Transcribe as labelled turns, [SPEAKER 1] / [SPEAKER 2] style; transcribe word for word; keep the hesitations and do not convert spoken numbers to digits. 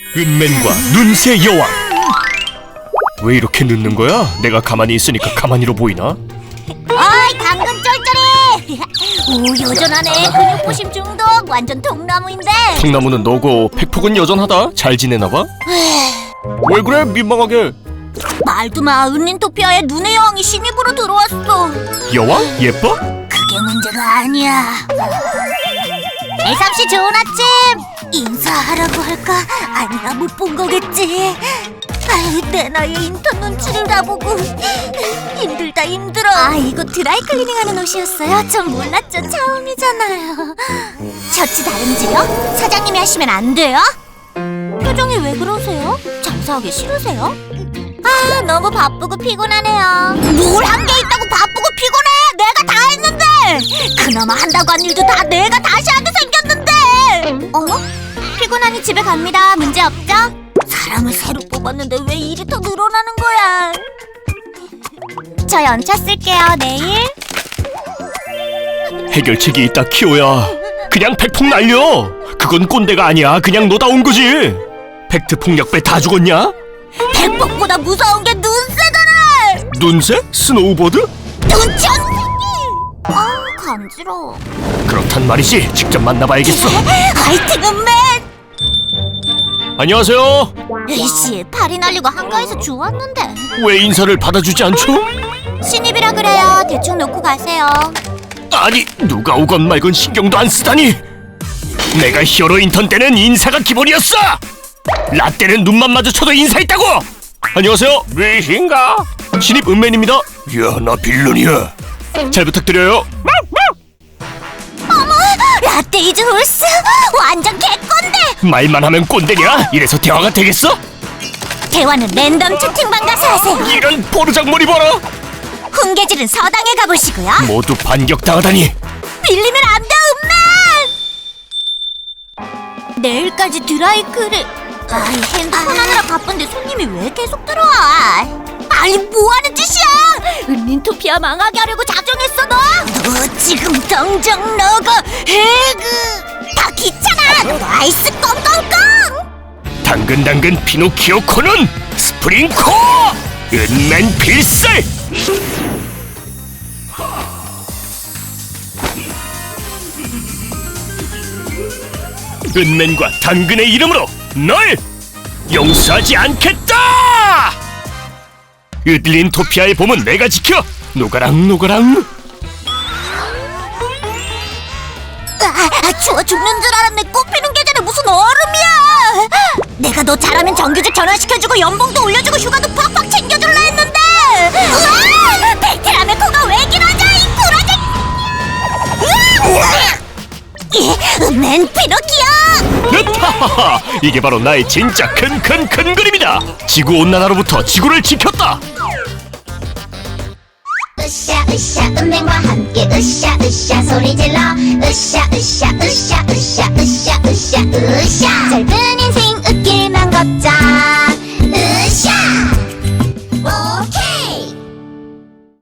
[SPEAKER 1] 은맨과 눈새 여왕. 왜 이렇게 늦는 거야? 내가 가만히 있으니까 가만히로 보이나?
[SPEAKER 2] 어이 당근 쫄쫄이. 오 여전하네. 근육부심 중독 완전 통나무인데.
[SPEAKER 1] 통나무는 너고 팩폭은 여전하다. 잘 지내나봐? 왜 그래 민망하게.
[SPEAKER 2] 말도 마. 은린토피아에 눈의 여왕이 신입으로 들어왔어.
[SPEAKER 1] 여왕? 예뻐?
[SPEAKER 2] 그게 문제가 아니야. 애삼씨 좋은 아침. 인사하라고 할까? 아니야 못 본 거겠지. 아이, 내 나이에 인턴 눈치를 다 보고 힘들다 힘들어. 아 이거 드라이클리닝하는 옷이었어요? 전 몰랐죠. 처음이잖아요. 셔츠 다름질요? 사장님이 하시면 안 돼요? 표정이 왜 그러세요? 장사하기 싫으세요? 아 너무 바쁘고 피곤하네요. 뭘 한 게 있다고 바쁘고 피곤해. 내가 다 했는데. 그나마 한다고 한 일도 다 내가 다시 하게 생겼는데. 어? 피곤하니 집에 갑니다. 문제 없죠? 사람을 새로 뽑았는데 왜 일이 더 늘어나는 거야? 저 연차 쓸게요. 내일.
[SPEAKER 1] 해결책이 있다 키오야. 그냥 팩폭 날려. 그건 꼰대가 아니야. 그냥 너다운 거지. 팩트 폭력배 다 죽었냐?
[SPEAKER 2] 백복보다 무서운 게 눈새잖아.
[SPEAKER 1] 눈새? 스노우보드?
[SPEAKER 2] 눈치 없는 새끼. 아 간지러워.
[SPEAKER 1] 그렇단 말이지. 직접 만나봐야겠어.
[SPEAKER 2] 화이팅 은맨.
[SPEAKER 1] 안녕하세요.
[SPEAKER 2] 에이씨 팔이 날리고 한가해서 좋았는데.
[SPEAKER 1] 왜 인사를 받아주지 않죠?
[SPEAKER 2] 신입이라 그래요. 대충 놓고 가세요.
[SPEAKER 1] 아니 누가 오건 말건 신경도 안 쓰다니. 내가 히어로 인턴 때는 인사가 기본이었어. 라떼는 눈만 마주쳐도 인사했다고. 안녕하세요. 왜신가? 신입 은맨입니다. 야 나 빌런이야. 잘 부탁드려요.
[SPEAKER 2] 어머 라떼이즈 홀스 완전 개꼰대.
[SPEAKER 1] 말만 하면 꼰대냐? 이래서 대화가 되겠어?
[SPEAKER 2] 대화는 랜덤 채팅방 가서 하세요.
[SPEAKER 1] 이런 보르장머리 봐라.
[SPEAKER 2] 훈계질은 서당에 가보시고요.
[SPEAKER 1] 모두 반격당하다니.
[SPEAKER 2] 밀리면 안 돼 은맨. 내일까지 드라이클을. 아이 핸드폰 하느라 바쁜데 손님이 왜 계속 들어와? 아니 뭐하는 짓이야? 은린토피아 망하게 하려고 작정했어 너? 너 지금 당장 나가. 해그 다 귀찮아. 너 아이스 꽁꽁꽁.
[SPEAKER 1] 당근당근 피노키오 코는 스프링코 은맨 필살. 은맨과 당근의 이름으로 널 용서하지 않겠다. 으들린토피아의 봄은 내가 지켜. 노가랑 노가랑.
[SPEAKER 2] 아, 추워 죽는 줄 알았네. 꽃피는 계절에 무슨 얼음이야. 내가 너 잘하면 정규직 전환시켜주고 연봉도 올려주고 휴가도 팍팍 챙겨줄라 했는데. 으아! 팩트라며 코가 왜 길어져 이 프로젝트. 맨 피노키오.
[SPEAKER 1] 으타하하! 이게 바로 나의 진짜 큰 큰 큰 그림이다. 지구온난화로부터 지구를 지켰다.
[SPEAKER 3] 으쌰 으쌰 은맨과 함께 으쌰 으쌰 소리 질러 으쌰 으쌰 으쌰 으쌰 으쌰 으쌰 으쌰 짧은